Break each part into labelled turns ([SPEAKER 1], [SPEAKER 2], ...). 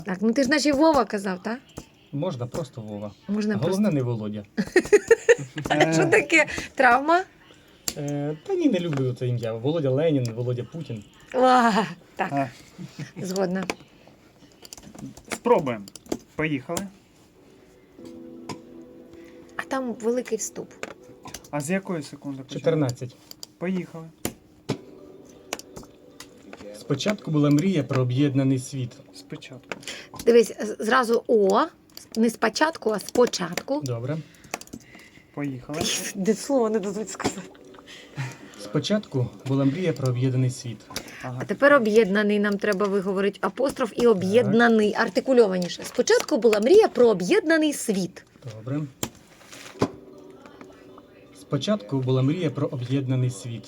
[SPEAKER 1] Так, ну ти ж наче Вова казав, так?
[SPEAKER 2] Можна просто Вова.
[SPEAKER 1] Можна
[SPEAKER 2] Головне не Володя.
[SPEAKER 1] просто. Що таке? Травма?
[SPEAKER 2] Та ні, не люблю це ім'я. Володя Ленін, Володя Путін.
[SPEAKER 1] Так,
[SPEAKER 3] А,
[SPEAKER 1] згодна.
[SPEAKER 3] Спробуємо. Поїхали.
[SPEAKER 1] А там великий вступ.
[SPEAKER 3] А з якої секунди почали?
[SPEAKER 2] 14.
[SPEAKER 3] Поїхали.
[SPEAKER 2] Спочатку була мрія про об'єднаний світ.
[SPEAKER 3] Спочатку.
[SPEAKER 1] Дивись, зразу О, не спочатку, а спочатку.
[SPEAKER 2] Добре.
[SPEAKER 3] Поїхали.
[SPEAKER 1] Де слово не дадуть сказати.
[SPEAKER 2] Спочатку була мрія про об'єднаний світ.
[SPEAKER 3] Ага.
[SPEAKER 1] А тепер об'єднаний нам треба виговорити апостроф і об'єднаний, артикульованіше. Спочатку була мрія про об'єднаний світ.
[SPEAKER 2] Добре. Спочатку була мрія про об'єднаний світ,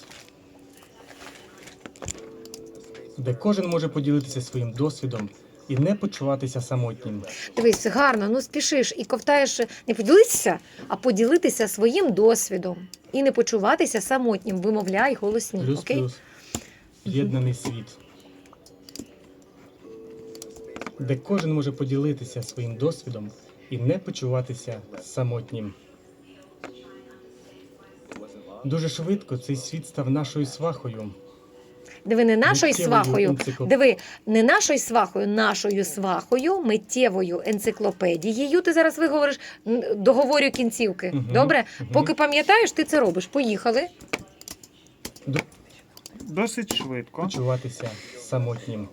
[SPEAKER 2] де кожен може поділитися своїм досвідом і не почуватися самотнім.
[SPEAKER 1] Дивись, гарно, ну спішиш і ковтаєш не поділитися, а поділитися своїм досвідом. І не почуватися самотнім. Вимовляй голосні. Окей?
[SPEAKER 2] Плюс-плюс. Об'єднаний світ, де кожен може поділитися своїм досвідом і не почуватися самотнім. Дуже швидко цей світ став нашою свахою.
[SPEAKER 1] Диви, не нашою
[SPEAKER 2] Миттєвою
[SPEAKER 1] свахою.
[SPEAKER 2] енциклопедією.
[SPEAKER 1] Диви, не нашою свахою, нашою свахою, миттєвою енциклопедією. Ти зараз виговориш, договорю кінцівки.
[SPEAKER 2] Мгм,
[SPEAKER 1] Добре?
[SPEAKER 2] мгм.
[SPEAKER 1] Поки пам'ятаєш, ти це робиш. Поїхали.
[SPEAKER 3] Досить швидко.
[SPEAKER 2] Почуватися самотнім.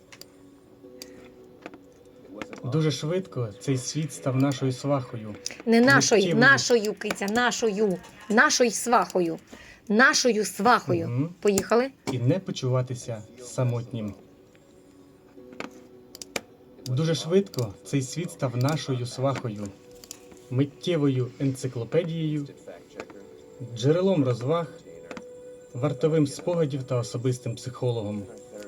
[SPEAKER 2] Дуже швидко цей світ став нашою свахою.
[SPEAKER 1] Не нашою,
[SPEAKER 2] Миттєвою.
[SPEAKER 1] нашою, киця, нашою свахою. Нашою свахою.
[SPEAKER 2] Мгм.
[SPEAKER 1] Поїхали.
[SPEAKER 2] І не почуватися самотнім. Дуже швидко цей світ став нашою свахою, миттєвою енциклопедією, джерелом розваг, вартовим спогадів та особистим психологом.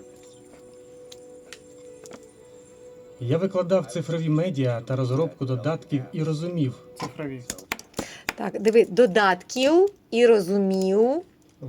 [SPEAKER 2] Я викладав цифрові медіа та розробку додатків і розумів,
[SPEAKER 3] Цифрові.
[SPEAKER 1] Так, диви, додатків і розумів.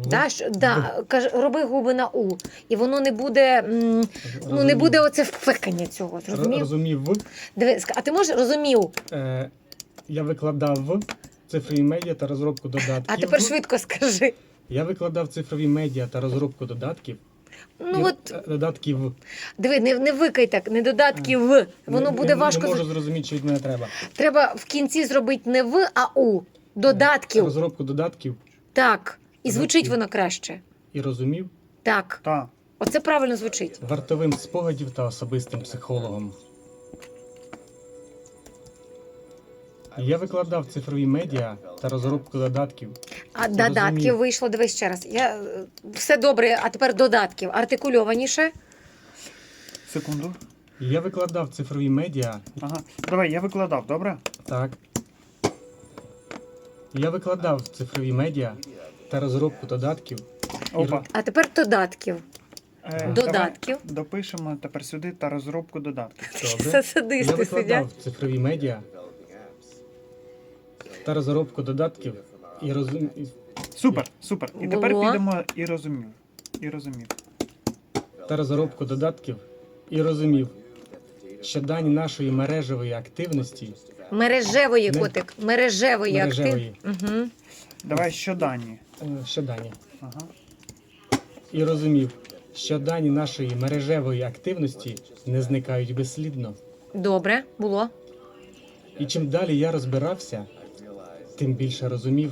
[SPEAKER 1] Роби губи на У. І воно не буде, не буде оце впекання цього. Зрозумів?
[SPEAKER 2] розумів,
[SPEAKER 1] Диви, а ти можеш розумів?
[SPEAKER 2] я викладав цифрові медіа та розробку додатків.
[SPEAKER 1] А тепер швидко скажи.
[SPEAKER 2] Я викладав цифрові медіа та розробку додатків.
[SPEAKER 1] Ну от,
[SPEAKER 2] Додатків.
[SPEAKER 1] диви, не викай так, не додатків. Воно буде важко.
[SPEAKER 2] Не можу зрозуміти, що від мене треба.
[SPEAKER 1] Треба в кінці зробити не В, а У. Додатків.
[SPEAKER 2] Розробку додатків
[SPEAKER 1] Так. І звучить
[SPEAKER 2] Додатків.
[SPEAKER 1] воно краще.
[SPEAKER 2] і розумів,
[SPEAKER 1] Так.
[SPEAKER 3] Та.
[SPEAKER 1] Оце правильно звучить.
[SPEAKER 2] вартовим спогадів та особистим психологом. Я викладав цифрові медіа та розробку додатків.
[SPEAKER 1] А
[SPEAKER 2] Це
[SPEAKER 1] додатків
[SPEAKER 2] розумію.
[SPEAKER 1] вийшло, дивись ще раз. Все добре, а тепер додатків. Артикульованіше.
[SPEAKER 3] Секунду.
[SPEAKER 2] Я викладав цифрові медіа.
[SPEAKER 3] Ага. Давай, я викладав, добре?
[SPEAKER 2] Так. Я викладав цифрові медіа та розробку додатків.
[SPEAKER 3] Опа.
[SPEAKER 1] А тепер додатків. Додатків.
[SPEAKER 3] Давай допишемо тепер сюди та розробку додатків.
[SPEAKER 2] Добре. Я
[SPEAKER 1] Садисти сидять.
[SPEAKER 2] викладав цифрові медіа та розробку додатків і розумів.
[SPEAKER 3] Супер, супер. І тепер
[SPEAKER 1] Було.
[SPEAKER 3] підемо і розумів. І розумів.
[SPEAKER 2] Та розробку додатків і розумів, що дані нашої мережевої активності
[SPEAKER 1] Мережевої,
[SPEAKER 2] Не-
[SPEAKER 1] котик. Мережевої актив.
[SPEAKER 2] мережевої,
[SPEAKER 1] Угу.
[SPEAKER 3] Давай щодані.
[SPEAKER 2] що дані,
[SPEAKER 3] Ага.
[SPEAKER 2] і розумів, що дані нашої мережевої активності не зникають безслідно.
[SPEAKER 1] Добре, було.
[SPEAKER 2] І чим далі я розбирався, тим більше розумів,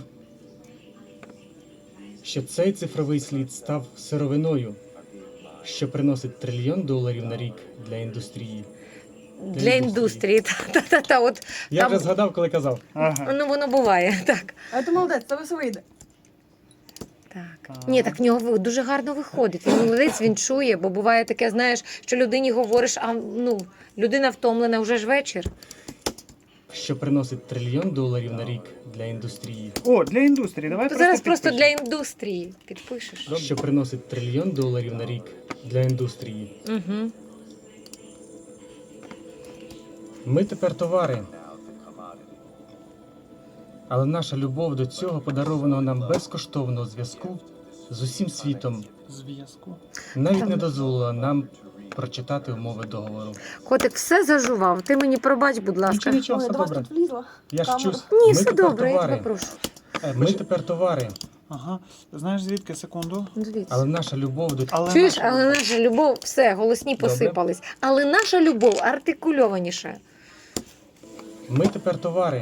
[SPEAKER 2] що цей цифровий слід став сировиною, що приносить $1 трильйон на рік для індустрії.
[SPEAKER 1] Для індустрії. Та-та-та. От
[SPEAKER 2] Я
[SPEAKER 1] там,
[SPEAKER 2] вже згадав, коли казав.
[SPEAKER 3] Ага.
[SPEAKER 1] ну воно буває. Так.
[SPEAKER 4] А ти молодець, це все вийде.
[SPEAKER 1] Так. Ні, так в нього дуже гарно виходить. Він молодець, він чує, бо буває таке, знаєш, що людині говориш, а людина втомлена вже ж вечір.
[SPEAKER 2] Що приносить $1 трильйон на рік для індустрії.
[SPEAKER 3] О, для індустрії. Давай
[SPEAKER 1] То зараз просто
[SPEAKER 3] підпишемо.
[SPEAKER 1] для індустрії підпишеш.
[SPEAKER 2] Що приносить $1 трильйон на рік для індустрії.
[SPEAKER 1] Угу.
[SPEAKER 2] Ми тепер товари. Але наша любов до цього подарованого нам безкоштовного зв'язку з усім світом
[SPEAKER 3] Зв'язку.
[SPEAKER 2] навіть не дозволила нам прочитати умови договору.
[SPEAKER 1] Котик все зажував. Ти мені пробач, будь ласка.
[SPEAKER 2] Нічого,
[SPEAKER 4] Ой,
[SPEAKER 2] все
[SPEAKER 4] до вас
[SPEAKER 2] добре.
[SPEAKER 4] тут влізла.
[SPEAKER 2] Я ж
[SPEAKER 4] камера.
[SPEAKER 2] чусь.
[SPEAKER 1] Ні,
[SPEAKER 2] Ми
[SPEAKER 1] все
[SPEAKER 2] тепер
[SPEAKER 1] добре, я тебе
[SPEAKER 2] товари.
[SPEAKER 1] прошу.
[SPEAKER 2] Ми тепер товари,
[SPEAKER 3] Ага. Знаєш звідки? Секунду.
[SPEAKER 1] Ну, дивіться.
[SPEAKER 2] але наша любов до
[SPEAKER 3] Але
[SPEAKER 1] Чуєш,
[SPEAKER 3] наша
[SPEAKER 1] але
[SPEAKER 3] любов.
[SPEAKER 1] наша любов, все, голосні
[SPEAKER 2] Добре.
[SPEAKER 1] посипались. Але наша любов артикульованіше.
[SPEAKER 2] Ми тепер товари.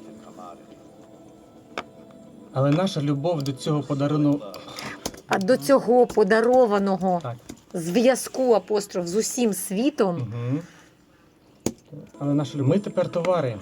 [SPEAKER 2] Але наша любов до цього подарунку.
[SPEAKER 1] А до цього подарованого
[SPEAKER 2] Так.
[SPEAKER 1] зв'язку апостроф з усім світом
[SPEAKER 2] Угу. Але наша любов. Ми тепер товари.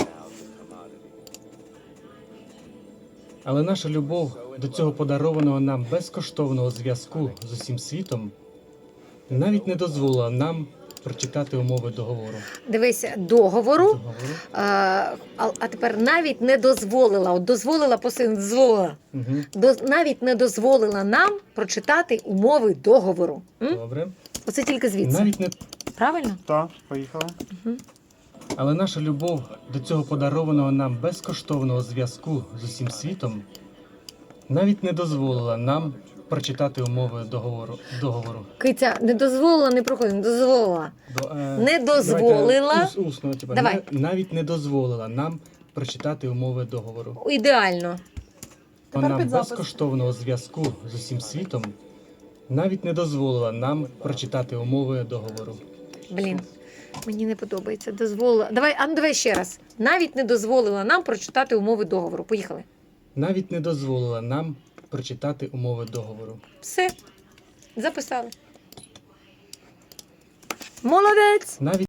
[SPEAKER 2] Але наша любов до цього подарованого нам безкоштовного зв'язку з усім світом навіть не дозволила нам прочитати умови договору.
[SPEAKER 1] дивися, договору. А тепер навіть не дозволила, от дозволила посилення, дозволила.
[SPEAKER 2] Угу.
[SPEAKER 1] Навіть не дозволила нам прочитати умови договору. М?
[SPEAKER 2] Добре.
[SPEAKER 1] Оце тільки звідси.
[SPEAKER 2] Навіть не
[SPEAKER 1] Правильно?
[SPEAKER 3] Так, поїхали.
[SPEAKER 2] Але наша любов до цього подарованого нам безкоштовного зв'язку з усім світом навіть не дозволила нам прочитати умови договору.
[SPEAKER 1] Киця, не дозволила, не проходить, не дозволила. Не дозволила.
[SPEAKER 2] Давайте усно, типа,
[SPEAKER 1] Давай.
[SPEAKER 2] навіть не дозволила нам прочитати умови договору.
[SPEAKER 1] Ідеально.
[SPEAKER 4] Тепер
[SPEAKER 2] Нам
[SPEAKER 4] під запис.
[SPEAKER 2] безкоштовного зв'язку з усім світом навіть не дозволила нам прочитати умови договору.
[SPEAKER 1] Блін, мені не подобається. Дозволила. Давай ще раз. Навіть не дозволила нам прочитати умови договору. Поїхали.
[SPEAKER 2] Навіть не дозволила нам прочитати умови договору.
[SPEAKER 1] Все. Записали. Молодець.
[SPEAKER 2] Навіть